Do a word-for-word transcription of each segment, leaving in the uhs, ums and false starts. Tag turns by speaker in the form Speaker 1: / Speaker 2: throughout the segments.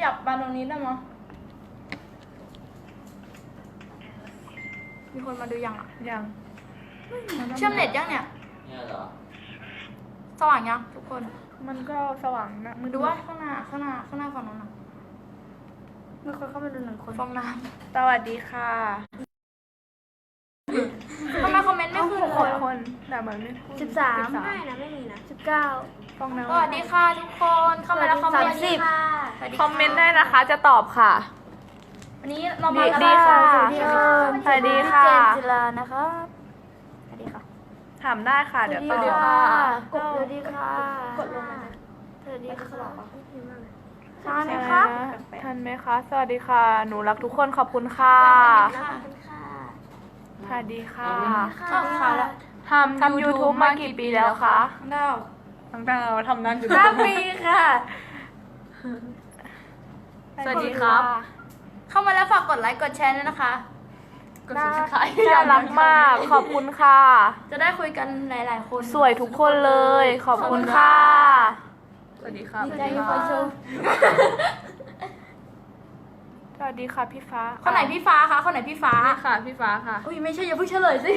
Speaker 1: ยับมาตรงนี้ได้มั้ยมีคนมาดูยังอ่ะ
Speaker 2: ยัง
Speaker 1: เชื่อมเน็ตยังเนี่ย
Speaker 3: เนี่ยเหรอ
Speaker 1: สว่างยังทุกคน
Speaker 2: มันก็สว่างนะ
Speaker 1: มึงดูว่าข้างหน้าข้างหน้าข้างหน้าฝั่งนู้นน่ะมีคนเข้ามาดูหนึ่งคนฟองน้
Speaker 2: ำสวัสดีค่ะ
Speaker 1: ทำไมคอมเมนต์ไม่ขึ้นเลย
Speaker 2: คนแต่เหมือนไม่ขึ้น
Speaker 4: สิบสามไม่นะไม่มีนะสิบเก้า
Speaker 2: ฟองน้ำ
Speaker 1: สวัสดีค่ะทุกคนเข้ามาแล้วคอมเมนต์สิบ
Speaker 2: คอมเมนต์ได้นะคะจะตอบค่ะ
Speaker 1: วันนี้เรามา
Speaker 2: ดีค่ะสวัสดีค่ะ
Speaker 4: สวัสดีค่ะเจนจิลานะคะสวัสดีค่ะ
Speaker 2: ถามได้ค่ะเดี๋ยวตอบ
Speaker 4: กดสวัสดีค่ะกดลงมาสวัสดีค่ะทันไหมคะ
Speaker 2: ทันไหมคะสวัสดีค่ะหนูรักทุกคนขอบคุณค่ะสวัสดีค่ะทำทำยูทูบมากี่ปีแล้วคะ
Speaker 1: ดาว
Speaker 2: ตั้งแต่เราทำนั้นอยู่
Speaker 4: ห้าปีค่ะ
Speaker 2: สวัสดีครับ
Speaker 1: เข้ามาแล้วฝากกดไลค์กดแชร์ด้วยนะคะ
Speaker 2: กดซับสไครบ์น่ารักมากขอบคุณค่ะ
Speaker 1: จะได้คุยกันหลายๆคน
Speaker 2: สวยทุกคนเลยขอบคุณค่ะสวัสดีค่ะ
Speaker 1: ดีใจที่คอยชม
Speaker 2: สวัสดีค่ะพี่ฟ้า
Speaker 1: คนไหนพี่ฟ้าคะคนไหนพี่ฟ้า
Speaker 2: ค่ะพี่ฟ้าค่ะ
Speaker 1: อุ้ยไม่ใช่อย่าเพิ่งเฉลยสิ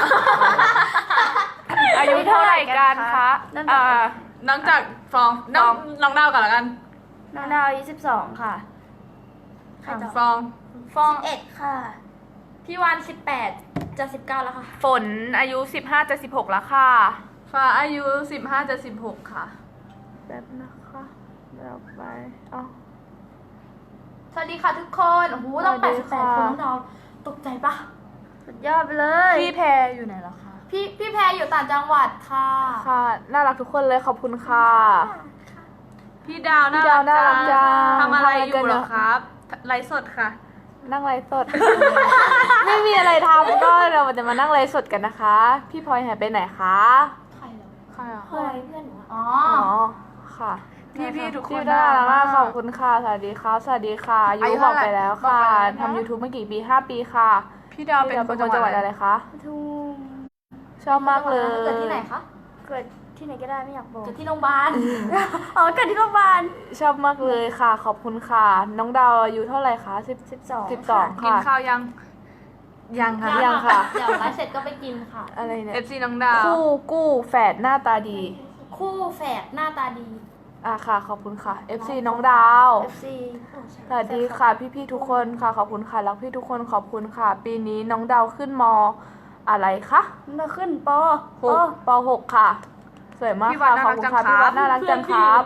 Speaker 2: อายุเท่าไหร่กันคะอ่าน้องจากฟองน้องน้องดาวก่อนละกัน
Speaker 4: น้องดาวอายุสิบสองค่ะ
Speaker 2: ฟอง
Speaker 1: ฟอง
Speaker 4: เอ็ดค่ะ
Speaker 1: พี่วานสิบแปดจะสิบเก้าแล้วค่ะ
Speaker 2: ฝนอายุสิบห้าจะสิบหกแล้วค่ะฟ้าอายุสิบห้าจะสิบหกค่ะแบบนะคะเราไปอ๋อ
Speaker 1: สวัสดีค่ะทุกคนโอ้โหต้องแปดสิบแปดคนน้องตกใจปะ
Speaker 4: สุดยอดไปเลย
Speaker 2: พี่แพรอยู่ไหนแล้วคะ
Speaker 1: พี่พี่แพรอยู่ต่างจังหวัดค่ะ
Speaker 2: ค่ะน่ารักทุกคนเลยขอบคุณค่ะ
Speaker 5: พี่ดาวน่ารักจังทำอะไรอยู่เหรอครับไลฟ์สดค่ะ
Speaker 2: นั่งไลฟ์สด ไม่มีอะไรทำก็เราจะมานั่งไลฟ์สดกันนะคะพี่พลอยหายไปไหนคะ
Speaker 1: ใครเหรอ
Speaker 2: ใครอ่ะ
Speaker 4: เพื่อนเพื่อนหนู
Speaker 1: อ๋อ
Speaker 2: ค่ะ
Speaker 5: พี่พี่ทุกคน
Speaker 2: น่ารักมากขอบคุณค่ะสวัสดีค่ะสวัสดีค่ะอายุบอกไปแล้วค่ะทำ YouTube มากี่ปีห้าปีค่ะ
Speaker 5: พี่ดาวเป็น
Speaker 2: คนจังหวัดอะไรคะ
Speaker 4: ทุ่ง
Speaker 2: ชอบมากเลย
Speaker 1: เกิดที่ไหนคะ
Speaker 4: เกิดที่ไหนก็ได้ไม่อยากบอก
Speaker 1: เกิดที่โรงพยาบาล
Speaker 4: อ๋อเกิดที่โรงพยาบาล
Speaker 2: ชอบมากเลยค่ะขอบคุณค่ะน้องดาวอายุเท่าไหร่คะสิบสิบสองสิบสองค่ะ
Speaker 5: กินข้าวยัง
Speaker 2: ยังค่ะยังค่ะ
Speaker 1: เดี๋ยวไลฟ์เสร็จก็ไปกินค่ะ
Speaker 2: อะไรเนี่ย
Speaker 5: เอฟ ซี น้องดาว
Speaker 2: คู่กู้แฝดหน้าตาดี
Speaker 1: คู่แฝดหน้าตาดี
Speaker 2: อ่ะค่ะขอบคุณค่ะ เอฟ ซี น้องดาว
Speaker 4: เอฟ ซี
Speaker 2: สวัสดีค่ะพี่ๆทุกคนค่ะขอบคุณค่ะรักพี่ทุกคนขอบคุณค่ะปีนี้น้องดาวขึ้นม.อะไรคะ
Speaker 4: มาขึ้นป.
Speaker 2: หกป.หกค่ะสวยมากค่ะขอบคุณค่ะพี่วัดน่ารักจังครับ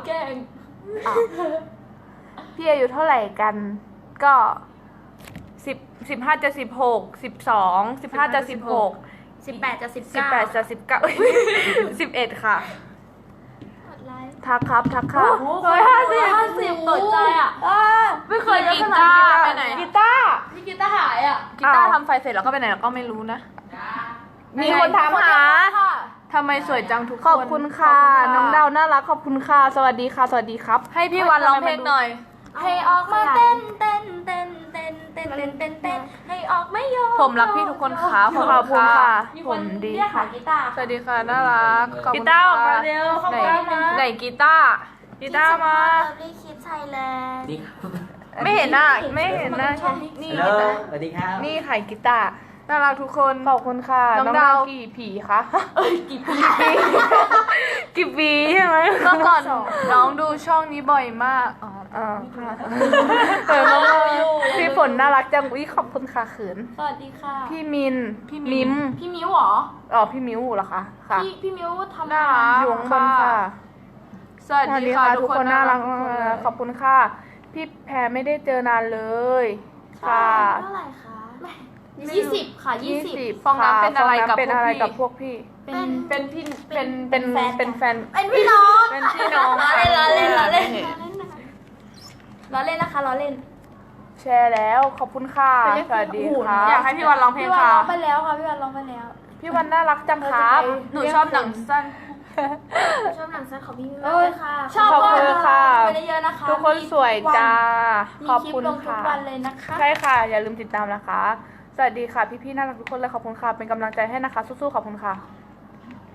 Speaker 2: พี่อายุเท่าไหร่กันก็สิบสิบห้าจะสิบหกสิบสองสิบห้าจะสิบหก
Speaker 1: สิบแปดจะสิบ
Speaker 2: สิบ
Speaker 1: เก้า
Speaker 2: แปดจะสิบเก้าสิบเอ็ดค่ะทักครับทักค่ะ
Speaker 1: ร้อยห้าสิบห้าสิบตกใจอ่ะ
Speaker 2: ไม่เคยกีตาร์ไปไหนกีตาร์
Speaker 1: พี่กีตาร์หายอ่ะ
Speaker 2: กีตาร์ทำไฟเสร็จแล้วก็ไปไหนแล้วก็ไม่รู้นะมีคนถามหาทำไมสวยจังทุกคนขอบคุณค่ะน้องดาวน่ารักขอบคุณค่ะสวัสดีค่ะสวัสดีครับ
Speaker 5: ให้พี่วันร้องเพลงหน่อย
Speaker 1: ให้ออกมาเต้นเต้นเต้นเต้นเต้นเต้นเต้นเต้นให้ออกไม่ยอม
Speaker 2: ผมรักพี่ทุกคนค่ะขอบคุณค่ะผมดีค่ะ
Speaker 1: กีตาร์
Speaker 5: สวัสดีค่ะน่ารัก
Speaker 2: กีตาร์ออกมาเร็วไหนไหนกีตาร์กีตาร์มา
Speaker 4: รีคิดไทยแลนด์
Speaker 2: ไม่เห็นหน้าไม่เห็นหน้า
Speaker 3: นี่สวัสดีครับ
Speaker 2: นี่ไข่กีตาร์น่ารักทุกคนขอบคุณค่ะน้องดาวกี่ผีคะ
Speaker 1: เอ้ยกี่ปี
Speaker 2: กี่ปีใช่ไหมเมื่อก่อนน้องดูช่องนี้บ่อยมากอ๋ออ๋อค่ะเออน้องพี่ฝนน่ารักจังอุ้ยขอบคุณค่ะขืน
Speaker 1: สวัสดีค่ะ
Speaker 2: พี่มินพี่มิม
Speaker 1: พี่มิ้วเหรอ
Speaker 2: อ๋อพี่มิ้วเหรอคะค่ะ
Speaker 1: พี่พี่มิ้วทำ
Speaker 2: น่ารักอยู่ข้างบนค่ะ
Speaker 5: สวัสดีค่ะ
Speaker 2: ทุกคนน่ารักขอบคุณค่ะพี่แพรไม่ได้เจอนานเลยค่ะ
Speaker 1: เท่าไหร่คะยี่สิบค่ะยี่สิบ
Speaker 2: ฟองน้ำเป็นอะไรกับเป็นอะไรกับพวกพี่
Speaker 1: เป็นเป็นพี่
Speaker 2: เป็นเป็นเป็นแฟน
Speaker 1: เป็นพี่น้อง
Speaker 2: เป็นพี่น้อง
Speaker 1: ล้อเล่นล้อเล่นล้อเล่นล้อเล่นนะคะล้อเล่น
Speaker 2: แชร์แล้วขอบคุณค่ะสวัสดีค่ะ
Speaker 5: อยากให้พี่วันร้องเพลงค่ะ
Speaker 1: พี่วันร้องไปแล้วค่ะพี่วันร้องไปแล้ว
Speaker 2: พี่วันน่ารักจังครับ
Speaker 5: หนูชอบหนังสั้น
Speaker 1: ชอบหนังสั้นของพี่เอ้ยค่ะชอบ
Speaker 2: ค่ะ
Speaker 1: ไปเยอะๆนะคะ
Speaker 2: ทุกคนสวยจ้าขอบคุณค่ะ
Speaker 1: ทุกวันเลยนะคะ
Speaker 2: ใช่ค่ะอย่าลืมติดตามนะคะสวัสดีค่ะพี่ๆน่ารักทุกคนเลยขอบคุณค่ะเป็นกำลังใจให้นะคะสู้ๆขอบคุณค่ะ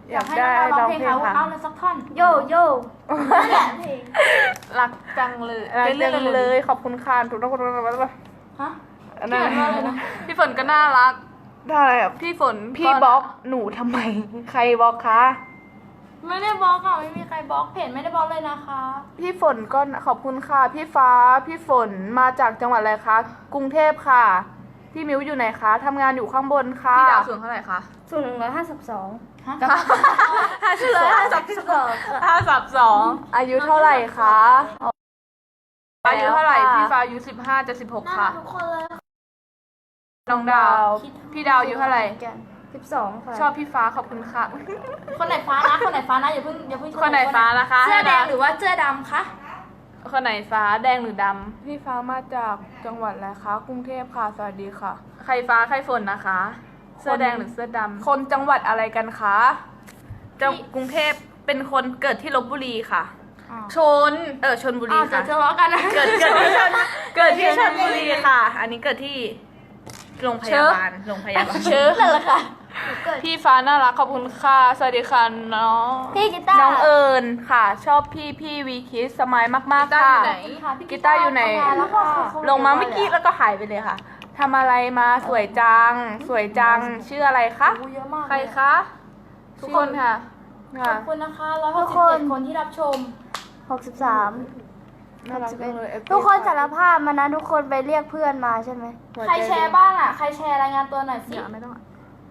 Speaker 2: อยากได้
Speaker 1: ให้
Speaker 2: ร้
Speaker 1: น้
Speaker 2: อ
Speaker 1: อง ง
Speaker 2: เพ
Speaker 1: เพ
Speaker 2: ล
Speaker 1: ล
Speaker 2: ง
Speaker 1: ง
Speaker 2: ค่ะ
Speaker 1: เขาเอาเลยสักท่อน
Speaker 4: โยโย่
Speaker 1: นั่นแหละเพลง
Speaker 5: รักจังเลย
Speaker 2: รัก
Speaker 5: เป็น
Speaker 2: จั
Speaker 5: เรื่อง
Speaker 2: งเลยขอบคุณค่ะทุกคน
Speaker 1: ฮะ
Speaker 2: อันนั้น
Speaker 1: เขียนว่าอะไรนะ
Speaker 5: พี่ฝนก็น่ารัก
Speaker 2: ได้ครับ
Speaker 5: พี่ฝน
Speaker 2: พี่บล็อกหนูทำไม ใครบล็อกคะ
Speaker 1: ไม่ได้บล็อกค่ะไม่มีใครบล็อกเพจไม่ได้บล็อกเลยนะคะ
Speaker 2: พี่ฝนก็ขอบคุณค่ะ พี่ฟ้าพี่ฝนมาจากจังหวัดอะไรคะกรุงเทพค่ะ พี่มิวอยู่ไหนคะทำงานอยู่ข้างบนค่ะ
Speaker 5: พี่ดาวสูงเท่าไหร่คะ
Speaker 4: ส่วนหนึ่งร้อยห้าสิบสอง
Speaker 1: ฮะ
Speaker 5: ห้าสิบสอง
Speaker 4: ห้าสิบสอง
Speaker 5: ห้าสิบสอง
Speaker 2: อายุเท่าไหร่คะ
Speaker 5: อายุเท่าไหร่
Speaker 2: แล้วค่ะ
Speaker 5: พี่ฟ้าอายุสิบห้าจะสิบหกค่ะ
Speaker 1: ทุกคนเลย
Speaker 5: น้องดาว พี่ดาวอายุเท่าไหร่
Speaker 4: สิบสองค่ะ
Speaker 5: ชอบพี่ฟ้าขอบคุณค่ะ
Speaker 1: คนไหนฟ้านะคนไหนฟ้านะอย่าเพิ่งอย่าเพิ่ง
Speaker 5: คนไหนฟ้านะคะ
Speaker 1: เสื้อแดงหรือว่าเสื้อดำคะ
Speaker 5: คนไหนฟ้าแดงหรือด
Speaker 2: พี่ฟ้ามาจากจังหวัดอะไรคะกรุงเทพค่ะสวัสดีค่ะ
Speaker 5: ำใครฟ้าใครฝนนะคะ เสื้อแดงหรือเสื้อดำ
Speaker 2: คนจังหวัดอะไรกันคะ
Speaker 5: จังกรุงเทพเป็นคนเกิดที่ลบบุรีค่ะ ชน เออชนบุรี
Speaker 1: อ้าวจะ
Speaker 5: ค่ะ
Speaker 1: ทะเลาะกันนะ
Speaker 5: เกิดเกิดที่ชนเกิดที่ชนบุรีค่ะ อันนี้เกิดที่โรงพยาบาลโรงพยาบาล
Speaker 1: เชื้อเลยละค่ะ
Speaker 5: พี่ฟ้าน่ารักขอบคุณค่ะ สวัสดีค่ะน้อง
Speaker 4: พี่กีตาร์
Speaker 2: น้องเอิญค่ะ ชอบพี่พี่วีคิสสมัยมาก
Speaker 5: กี
Speaker 2: ๆ
Speaker 5: ตาร์
Speaker 2: ค่ะ
Speaker 5: อยู่ไหน
Speaker 1: ค่ะพี่
Speaker 2: กีตาร์อยู่ไหน
Speaker 1: ทำงแล้วค่ะ
Speaker 2: ลงมาเมื่อกี้แล้วก็หายไปเลยค่ะทำอะไรมาสวยจัง สวยจังชื่ออะไรคะ
Speaker 1: อู้เยอะมาก
Speaker 5: ใครคะ ทุกคนค่ะ
Speaker 1: ข
Speaker 2: ค่ะ
Speaker 1: อบคุณนะคะร้อยหกสิบเจ็ดคนที่รับชม
Speaker 4: หกสิบสาม
Speaker 2: น่ารักจังเลย
Speaker 4: ทุกคนสารภาพมานะทุกคนไปเรียกเพื่อนมาใช่ไหม
Speaker 2: หัว
Speaker 1: ใคร
Speaker 2: ใจ
Speaker 1: แชร์บ้างอ่ะ ใครแชร์รายงานตัวหน่อยสิ
Speaker 5: เดี๋ยวไม่ต้องอ่ะ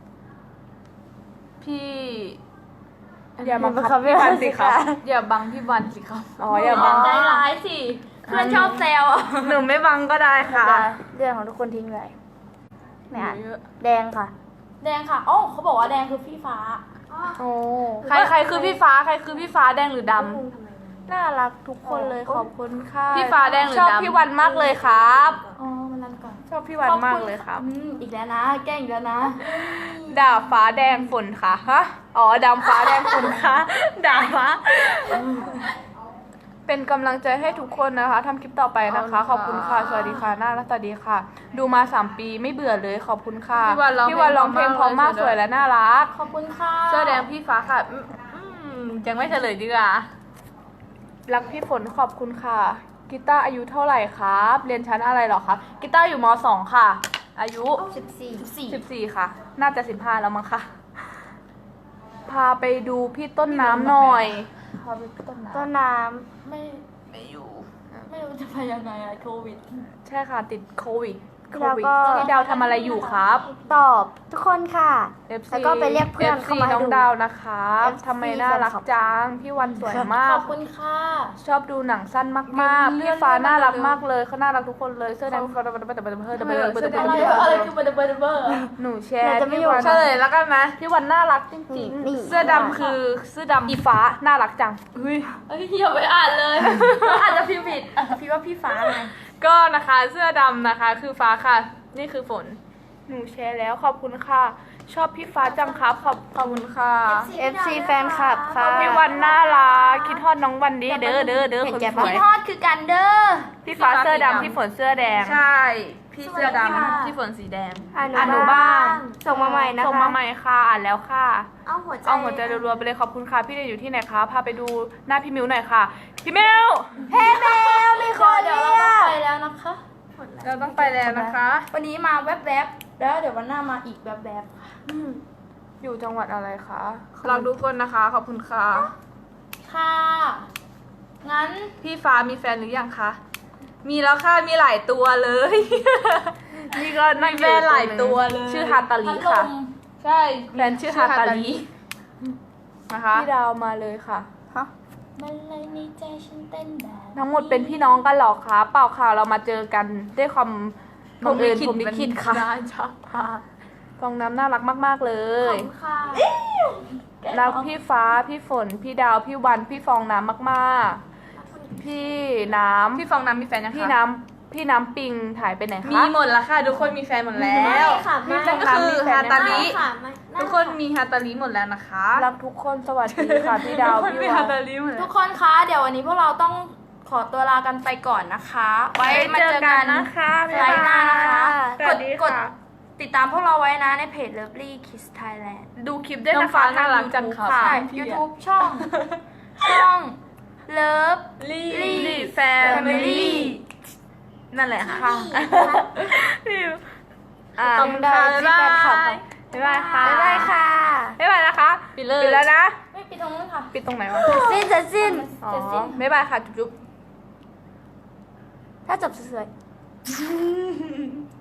Speaker 5: พี่
Speaker 2: อย่าบังคับพี่วันสิครับ
Speaker 5: อย่าบังพี่วันสิครับ
Speaker 2: อ๋ออย่าบัง
Speaker 1: ใจร้ายสิ เพื่อนชอบแซวอ่ะ
Speaker 5: หนูไม่บังก็ได้ค่ะ
Speaker 4: จะเรื่องของทุกคนทิ้งเลยไม่อ่าน
Speaker 5: เยอะ
Speaker 4: แดงค่ะ
Speaker 1: แดงค่ะอ๋อเขาบอกว่าแดงคือพี่ฟ้า
Speaker 2: โอ้
Speaker 5: ใครใครคือพี่ฟ้าใครคือพี่ฟ้าแดงหรือดำ
Speaker 2: น่ารักทุกคนเลยขอบคุณค่ะ
Speaker 5: พี่ฟ้าแดงหรือ
Speaker 2: ชอบ
Speaker 5: ดำ
Speaker 2: พี่วันมากเลยครับ
Speaker 1: อ๋อมันนั่นก่อน
Speaker 2: ชอบพี่วันมากเลยครับ
Speaker 1: อืมอีกแล้วนะ แกล้งอีกแล้วนะ
Speaker 2: ด่าฟ้าแดงฝนค่ะฮะอ๋อดำฟ้าแดงฝนค่ะ ด่าฟ้า เป็นกำลังใจให้ทุกคนนะคะทำคลิปต่อไปนะคะ ขอบคุณค่ะ สวัสดีค่ะน่ารักสวัสดีค่ะ ดูมาสามปีไม่เบื่อเลยขอบคุณค่ะ
Speaker 5: พี่วันร้อง
Speaker 2: พี่วันร้องเพลงเพราะมาก
Speaker 5: เพลง
Speaker 2: สวยและน่ารัก
Speaker 1: ขอบคุณค่ะ
Speaker 5: เสื้อแดงพี่ฟ้าค่ะอืมอืมยังไม่เฉลยดีกว่า
Speaker 2: รักพี่ฝนขอบคุณค่ะกีตาร์อายุเท่าไหร่ครับ เรียนชั้นอะไรเหรอครับกีตาร์อยู่มสองค่ะ อายุ
Speaker 4: สิบสี่
Speaker 1: สี่
Speaker 2: สิบสี่ค่ะ น่าจะสิบห้าแล้วมั้งค่ะ พาไปดูพี่ต้นน้ำหน่อยพาไปต้นน้
Speaker 4: ต้นน้
Speaker 1: ไม่
Speaker 5: ไม่อยู่
Speaker 1: ไม่รู้จะไปยังไงอะโควิด
Speaker 2: ำใช่ค่ะ ติดโควิดโค
Speaker 4: ำแล้ว
Speaker 2: วิด
Speaker 4: ก็
Speaker 2: พี่ดาวทำอะไรอยู่ครับ
Speaker 4: ตอบทุกคนค่ะ
Speaker 2: เอฟซี
Speaker 4: แล้วก็ไปเรียกเพื่อนเข้ามาให้
Speaker 2: น้อง
Speaker 4: ดู
Speaker 2: ดาวนะครับ
Speaker 4: เอฟซี
Speaker 2: ทำไมน่ารักจัง พี่วันสวยมา
Speaker 1: ข
Speaker 2: ก
Speaker 1: อบคุณค่ะ
Speaker 2: ชอบดูหนังสั้นมากๆ พี่ฟ้าน่ารักมากเลยเขาน่ารักทุกคนเลยเสื้อแดงเขาเบอร์เบอร์เบอร์เบอร์เบอร์เบอร์เบอร์
Speaker 1: อะไรอะอะไรคือเบอร์เบอร์เบอร์
Speaker 2: หนูแชร์
Speaker 4: เราจะไม่
Speaker 2: พี่
Speaker 4: อยู่
Speaker 2: วัน
Speaker 5: เฉลยแล้วกันไหม
Speaker 2: พี่วันน่ารักจริง
Speaker 4: นี่
Speaker 5: เสื้อดำคือเสื้อดำ
Speaker 2: ๆอีฟ้าน่ารักจัง
Speaker 1: เฮ้ยอย่าไปอ่านเลยอาจจะพิมพ์ผิดอ่ะพี่ว่าพี่ฟ้าไง
Speaker 5: ก็นะคะเสื้อดำนะคะ คือฟ้าค่ะ นี่คือฝน
Speaker 2: หนูแชร์แล้วขอบคุณค่ะ ชอบพี่ฟ้าจังครับขอบขอบคุณค่ะ
Speaker 4: เอฟซีแฟนคลับค่ะ
Speaker 2: พี่วันน่ารักคิดทอดน้องวันดีเด้อเด้อเด้อ
Speaker 4: เห็น
Speaker 2: คน
Speaker 4: แก่
Speaker 2: ส
Speaker 4: ปะ
Speaker 2: วย
Speaker 1: พี่ทอดคือกันเด้อ
Speaker 2: พี่ฟ้าเสื้อดำพี่ฝนเสื้อแดง
Speaker 5: ใช่ พี่เสื้อด
Speaker 1: สวัสดีค่ะ
Speaker 5: ำพี่ฝนสีแดง
Speaker 4: อ่าน
Speaker 2: อ่านหนูบ้าง
Speaker 4: ส่งมาใหม่นะคะ
Speaker 2: ส่งมาใหม่ค่ะอ่านแล้วค่ะ
Speaker 4: เอาหัวใจ
Speaker 2: เอาหัวใจรัวๆไปเลยขอบคุณค่ะพี่เดนอยู่ที่ไหนคะพาไปดูหน้าพี่มิวหน่อยค่ะ พี่มิว
Speaker 4: เฮ้แมวมีคน
Speaker 1: เดี๋ยว
Speaker 4: เรี
Speaker 1: เรา
Speaker 4: ย
Speaker 1: ต้อง
Speaker 4: ก
Speaker 1: ไปแล้วนะคะ
Speaker 5: เราต้องไปแล้วนะคะ
Speaker 1: วันนี้มาแวบๆแล้วเดี๋ยววันหน้ามาอีกแวบ
Speaker 2: อยู่จังหวัดอะไรคะ
Speaker 5: เราทุกคนนะคะ ขอบคุณค่ะ
Speaker 1: ๆค่ะ งั้น
Speaker 5: พี่ฟ้ามีแฟนหรือยังคะ มีแล้วค่ะ มีหลายตัวเลย
Speaker 2: นี่ก็นั่ง
Speaker 5: มีแฟนหลายตัวเลย
Speaker 2: ชื่อฮาตาลี
Speaker 1: พัดล
Speaker 2: ค่ะ
Speaker 1: ม
Speaker 5: ใช่
Speaker 2: แฟนชื่อฮาตาลี
Speaker 5: นะคะ
Speaker 2: พี่ดาวมาเลยค่ะ
Speaker 1: มันเลยในใจฉันเต้นแบบ
Speaker 2: ทั้งหมดเป็นพี่น้องกันเหรอคะเปล่าค่ะเรามาเจอกันด้วยความบังเอิญผมลิขิตค่ะ
Speaker 5: ได้จ้ะ
Speaker 2: ฟองน้ำน่ารักมากๆเล
Speaker 1: ขอย บคุณค่ะ
Speaker 2: รักพี่ฟ้าพี่ฝนพี่ดาวพี่วันพี่ฟองน้ำมากๆ พี่น้ำ
Speaker 5: พี่ฟองน้ำมีแฟนยังคะ
Speaker 2: พี่น้ำพี่น้ำปิงถ่ายไปไหนคะ
Speaker 5: มีหมดแล้วค่ะ ทุกคนมีแฟนหมดแล้ว
Speaker 4: ค่ะไม่
Speaker 5: นั่นก็คือฮาตาลิ
Speaker 4: ค่ะไม่
Speaker 5: ทุกคนมีฮาตาลิหมดแล้วนะคะ
Speaker 2: รักทุกคนสวัสดีค่ะพี่ดาว
Speaker 5: ทุกคน
Speaker 2: พี่
Speaker 5: มี
Speaker 2: วั
Speaker 5: ฮาน ตาลิหมด
Speaker 1: ทุ
Speaker 5: แล้ว
Speaker 1: กคนคะเดี๋ยววันนี้พวกเราต้องขอตัวลากันไปก่อนนะคะ ไว้มาเจอกัน
Speaker 2: นะคะ
Speaker 1: ไลฟ์หน้านะคะ
Speaker 2: ส
Speaker 1: ก
Speaker 2: วั
Speaker 1: ด
Speaker 2: สดี
Speaker 1: กด
Speaker 2: ค่ะ
Speaker 1: ติดตามพวกเราไว้นะในเพจ Lovely Kids Thailand
Speaker 2: ดูคลิปได้
Speaker 5: น้อง
Speaker 2: นะ
Speaker 5: ฟ้า
Speaker 2: คะ
Speaker 5: น่ารัก
Speaker 2: ทง
Speaker 5: จัง
Speaker 2: YouTube
Speaker 5: ครับ
Speaker 1: ค่ะ YouTube ช่อง ช่อง Love
Speaker 5: ลี่
Speaker 1: ลี่
Speaker 2: แฟมิลี่นั่นแหละค่ะ
Speaker 1: ค่ะ
Speaker 2: อ่า
Speaker 5: ขอบคุณค่ะ
Speaker 2: บ๊าย
Speaker 5: บ๊าย
Speaker 2: บา
Speaker 5: บาย ย
Speaker 2: บ๊ายบายค่ะ
Speaker 4: บ๊ายบายค่ะ
Speaker 2: บ๊ายบายนะคะ
Speaker 5: ปิดเลย
Speaker 2: ปิดแล้วนะ
Speaker 1: ไม่ปิดตรงนู้นค่ะ
Speaker 2: ปิดตรงไหนวะ
Speaker 4: สิ้นจะสิ้น
Speaker 2: อ๋อ
Speaker 1: จะสิ้น
Speaker 2: บ๊ายบายค่ะ จุ๊บ
Speaker 4: ถ้าจบสวยๆ